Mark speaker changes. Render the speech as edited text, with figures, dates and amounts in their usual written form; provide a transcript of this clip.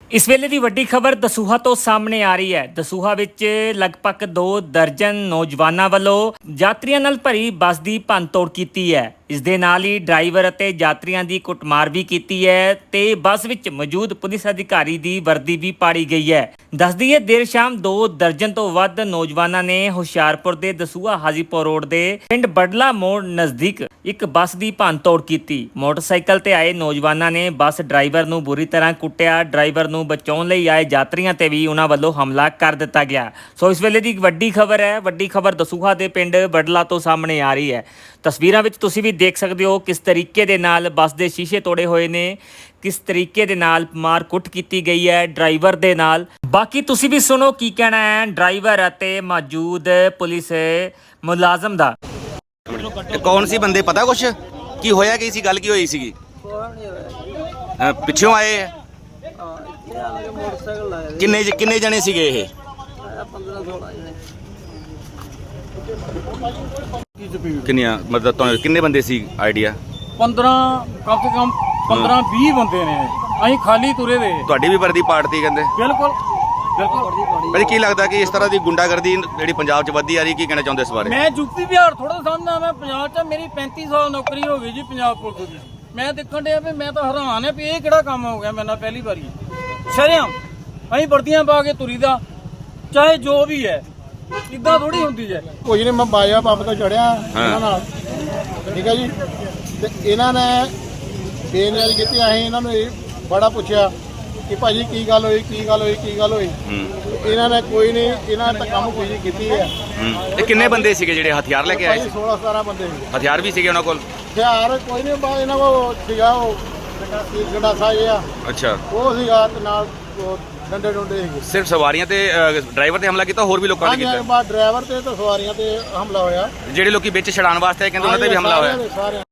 Speaker 1: ਇਸ ਵੇਲੇ ਦੀ ਵੱਡੀ ਖਬਰ ਦਸੂਹਾ ਤੋਂ ਸਾਹਮਣੇ ਆ ਰਹੀ ਹੈ। ਦਸੂਹਾ ਵਿੱਚ ਲਗਭਗ 2 ਦਰਜਨ ਨੌਜਵਾਨਾਂ ਵੱਲੋਂ ਯਾਤਰੀਆਂ ਨਾਲ ਭਰੀ ਬੱਸ ਦੀ ਭੰਨਤੋੜ ਕੀਤੀ ਹੈ। ਇਸ ਦੇ ਨਾਲ ਹੀ ਡਰਾਈਵਰ ਅਤੇ ਯਾਤਰੀਆਂ ਦੀ ਕੁੱਟਮਾਰ ਵੀ ਕੀਤੀ ਹੈ ਤੇ ਬੱਸ ਵਿੱਚ ਮੌਜੂਦ ਪੁਲਿਸ ਅਧਿਕਾਰੀ ਦੀ ਵਰਦੀ ਵੀ ਪਾੜੀ ਗਈ ਹੈ। ਦੱਸ ਦਈਏ ਦੇਰ ਸ਼ਾਮ 2 ਦਰਜਨ ਤੋਂ ਵੱਧ ਨੌਜਵਾਨਾਂ ਨੇ ਹੁਸ਼ਿਆਰਪੁਰ ਦੇ ਦਸੂਹਾ ਹਾਜੀਪੁਰ ਰੋਡ ਦੇ ਪਿੰਡ ਬੜਲਾ ਮੋੜ ਨਜ਼ਦੀਕ ਇੱਕ ਬੱਸ ਦੀ ਭੰਨਤੋੜ ਕੀਤੀ। ਮੋਟਰਸਾਈਕਲ ਤੇ ਆਏ ਨੌਜਵਾਨਾਂ ਨੇ ਬੱਸ ਡਰਾਈਵਰ ਨੂੰ ਬੁਰੀ ਤਰ੍ਹਾਂ ਕੁੱਟਿਆ। ਡਰਾਈਵਰ ਨੂੰ ਬਚਾਉਣ ਲਈ ਆਏ ਯਾਤਰੀਆਂ ਤੇ ਵੀ ਉਹਨਾਂ ਵੱਲੋਂ ਹਮਲਾ ਕਰ ਦਿੱਤਾ ਗਿਆ। ਸੋ ਇਸ ਵੇਲੇ ਦੀ ਵੱਡੀ ਖਬਰ ਹੈ। ਵੱਡੀ ਖਬਰ ਦਸੂਹਾ ਦੇ ਪਿੰਡ ਬੜਲਾ ਤੋਂ ਸਾਹਮਣੇ ਆ ਰਹੀ ਹੈ। ਤਸਵੀਰਾਂ ਵਿੱਚ ਤੁਸੀਂ ਵੀ ਦੇਖ ਸਕਦੇ ਹੋ ਕਿਸ ਤਰੀਕੇ ਦੇ ਨਾਲ ਬੱਸ ਦੇ ਸ਼ੀਸ਼ੇ ਤੋੜੇ ਹੋਏ ਨੇ, ਕਿਸ ਤਰੀਕੇ ਦੇ ਨਾਲ ਮਾਰ ਕੁੱਟ ਕੀਤੀ ਗਈ ਹੈ ਡਰਾਈਵਰ ਦੇ ਨਾਲ। ਬਾਕੀ ਤੁਸੀਂ ਵੀ ਸੁਣੋ ਕੀ ਕਹਿਣਾ ਹੈ ਡਰਾਈਵਰ ਅਤੇ ਮੌਜੂਦ ਪੁਲਿਸ ਮੁਲਾਜ਼ਮ ਦਾ।
Speaker 2: कौन सी बंदे पता कुछ की होया की सी गल की होई सी पिछों आए किन्ने किन्ने जने सीगे ये किन्नियां मतलब तो किन्ने बंदे सी आइडिया
Speaker 3: 15 कम से कम 15-20 ਬੰਦੇ ਨੇ। ਅਸੀਂ ਖਾਲੀ ਤੁਰੇ ਦੇ।
Speaker 2: ਤੁਹਾਡੀ ਵੀ ਵਰਦੀ ਪਾਰਟੀ ਕਹਿੰਦੇ
Speaker 3: ਬਿਲਕੁਲ
Speaker 2: ਭਾਜੀ ਕੀ ਲੱਗਦਾ ਕਿ ਇਸ ਤਰ੍ਹਾਂ ਦੀ ਗੁੰਡਾਗਰਦੀ ਜਿਹੜੀ ਪੰਜਾਬ 'ਚ ਵੱਧਦੀ ਆ ਰਹੀ, ਕੀ ਕਹਿਣਾ ਚਾਹੁੰਦੇ ਇਸ ਬਾਰੇ?
Speaker 3: ਮੈਂ ਯੂਪੀ ਬਿਹਾਰ ਥੋੜਾ ਸਮਝਦਾ। ਮੈਂ ਪੰਜਾਬ 'ਚ ਮੇਰੀ 35 ਸਾਲ ਨੌਕਰੀ ਹੋ ਗਈ ਜੀ ਪੰਜਾਬ ਪੁਲਿਸ ਦੀ। ਮੈਂ ਦੇਖਣ ਡਿਆ ਵੀ ਮੈਂ ਤਾਂ ਹੈਰਾਨ ਆ ਵੀ ਇਹ ਕਿਹੜਾ ਕੰਮ ਹੋ ਗਿਆ ਮੇਰੇ ਨਾਲ ਪਹਿਲੀ ਵਾਰੀ। ਸ਼ਰਮ ਅਸੀਂ ਵਰਦੀਆਂ ਪਾ ਕੇ ਤੁਰੀ ਦਾ, ਚਾਹੇ ਜੋ ਵੀ ਹੈ। ਇਦਾਂ ਥੋੜੀ ਹੁੰਦੀ ਹੈ।
Speaker 4: ਕੁਝ ਨਹੀਂ, ਮੈਂ ਬਾਜਾ ਪੰਪ ਤੋਂ ਚੜਿਆ ਇਹਨਾਂ ਨਾਲ, ਠੀਕ ਹੈ ਜੀ। ਤੇ ਇਹਨਾਂ ਨੇ ਬੇਨਿਆਰੀ ਕੀਤੀ। ਅਸੀਂ ਇਹਨਾਂ ਨੂੰ ਇਹ ਬੜਾ ਪੁੱਛਿਆ ਕਿ ਭਾਜੀ ਕੀ ਗੱਲ ਹੋਈ, ਕੀ ਗੱਲ ਹੋਈ, ਕੀ ਗੱਲ ਹੋਈ। ਇਹਨਾਂ ਨੇ ਕੋਈ ਨਹੀਂ, ਇਹਨਾਂ ਨੇ ਤਾਂ ਕੰਮ ਕੋਈ ਨਹੀਂ ਕੀਤੀ ਹੈ।
Speaker 2: ਤੇ ਕਿੰਨੇ ਬੰਦੇ ਸੀਗੇ ਜਿਹੜੇ ਹਥਿਆਰ ਲੈ ਕੇ ਆਏ ਸੀ?
Speaker 4: 16-17 ਬੰਦੇ ਸੀ।
Speaker 2: ਹਥਿਆਰ ਵੀ ਸੀਗੇ ਉਹਨਾਂ ਕੋਲ?
Speaker 4: ਹਥਿਆਰ ਕੋਈ ਨਹੀਂ, ਬਾ ਇਹਨਾਂ ਕੋਲ ਸੀਗਾ ਉਹ ਗੰਡਾਸਾ ਜਿਹਾ,
Speaker 2: ਅੱਛਾ,
Speaker 4: ਉਹ ਸੀਗਾ ਤੇ ਨਾਲ ਡੰਡੇ ਡੁੰਡੇ ਸੀਗੇ।
Speaker 2: ਸਿਰਫ ਸਵਾਰੀਆਂ ਤੇ ਡਰਾਈਵਰ ਤੇ ਹਮਲਾ ਕੀਤਾ, ਹੋਰ ਵੀ ਲੋਕਾਂ ਨੇ ਕੀਤਾ?
Speaker 4: ਬਾ ਡਰਾਈਵਰ ਤੇ ਸਵਾਰੀਆਂ ਤੇ ਹਮਲਾ ਹੋਇਆ।
Speaker 2: ਜਿਹੜੇ ਲੋਕੀ ਵਿੱਚ ਛਡਾਉਣ ਵਾਸਤੇ ਆਏ ਕਹਿੰਦੇ ਉਹਨਾਂ ਤੇ ਵੀ ਹਮਲਾ ਹੋਇਆ?
Speaker 4: ਸਾਰੇ